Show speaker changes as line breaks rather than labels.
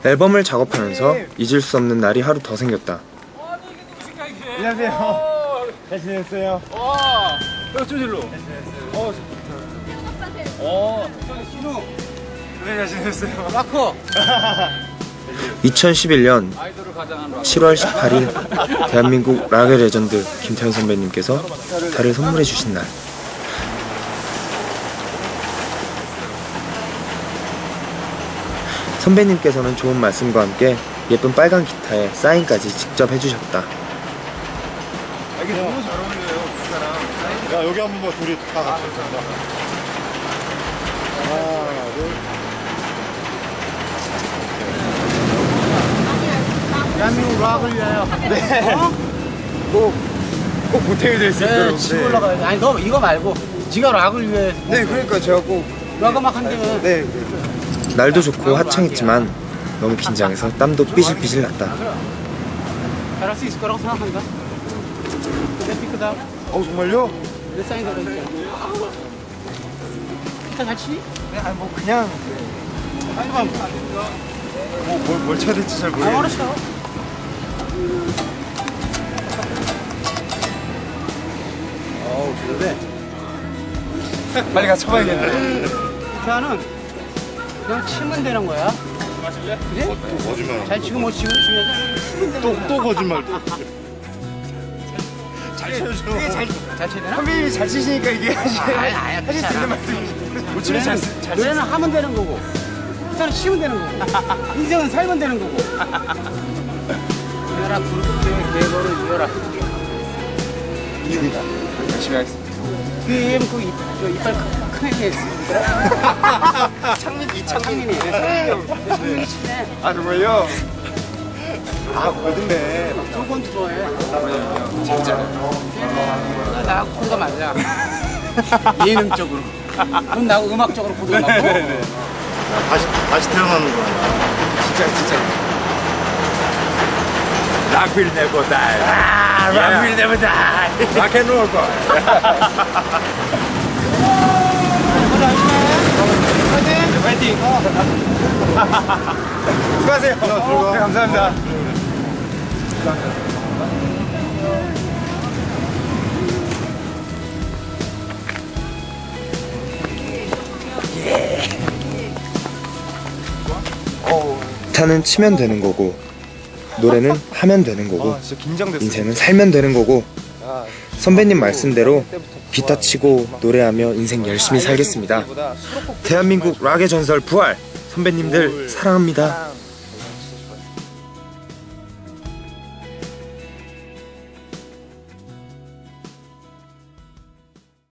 앨범을 작업하면서 잊을 수 없는 날이 하루 더 생겼다.
안녕하세요. 잘 지냈어요?
좀 일로.
신우. 네, 잘 지냈어요.
라커.
2011년 7월 18일 대한민국 락의 레전드 김태현 선배님께서 달을 선물해 주신 날. 선배님께서는 좋은 말씀과 함께 예쁜 빨간 기타에 사인까지 직접 해주셨다.
이게 너무 잘 어울려요, 기타랑. 야, 여기 한번 봐, 둘이 다 같이. 하나, 둘.
대한민국 락을 위하여.
네. 꼭 보탬이 될 수 있도록.
네, 치고 올라가야 돼. 아니, 너 이거 말고 지가 락을 위해.
네, 그러니까 제가 꼭.
락을 막 한다면.
네.
날도 좋고 화창했지만 너무 긴장해서 땀도 삐질삐질 났다.
잘할 수 있을 거라고 생각한다. 내 피크다.
정말요?
내 사인 들어있잖아. 기타 잘 치니?
네, 아니 뭐 그냥.
빨리 가.
뭘 쳐야 될지 잘 모르겠어요.
알았어. 좋은데.
빨리 가서 쳐봐야겠네.
기타는 그냥 치면 되는 거야. 마실래? 그래?
거짓말.
잘 치고 못 치고 치면 되는
또 거짓말. 잘 쳐줘.
잘 쳐야 되나?
선배님이 잘 치시니까 이게
아야,
하실 수 있는 말씀이시죠. 못 치면 잘
노래는 하면 되는 거고, 기타는 치면 되는 거고, 인생은 살면 되는 거고. 이겨라, 불국대의 계보를 이겨라.
이깁니다. 열심히 하겠습니다.
그 이빨 큰 애네.
이창민이.
창민이 치네.
아, 정말요? 거든네.
조건도 좋아해.
진짜.
나하고 코드가 맞아. 예능적으로. 넌 나하고 음악적으로 코드가 맞고.
다시 태어나는 거야. 진짜.
Rock will never die.
Rock will never die.
Rock and roll boy.
파이팅! 수고하세요. 네, 감사합니다.
기타는 치면 되는 거고 노래는 하면 되는 거고
진짜 긴장됐어.
인생은 살면 되는 거고 선배님 말씀대로 기타 치고 노래하며 인생 열심히 살겠습니다. 대한민국 락의 전설 부활! 선배님들 사랑합니다.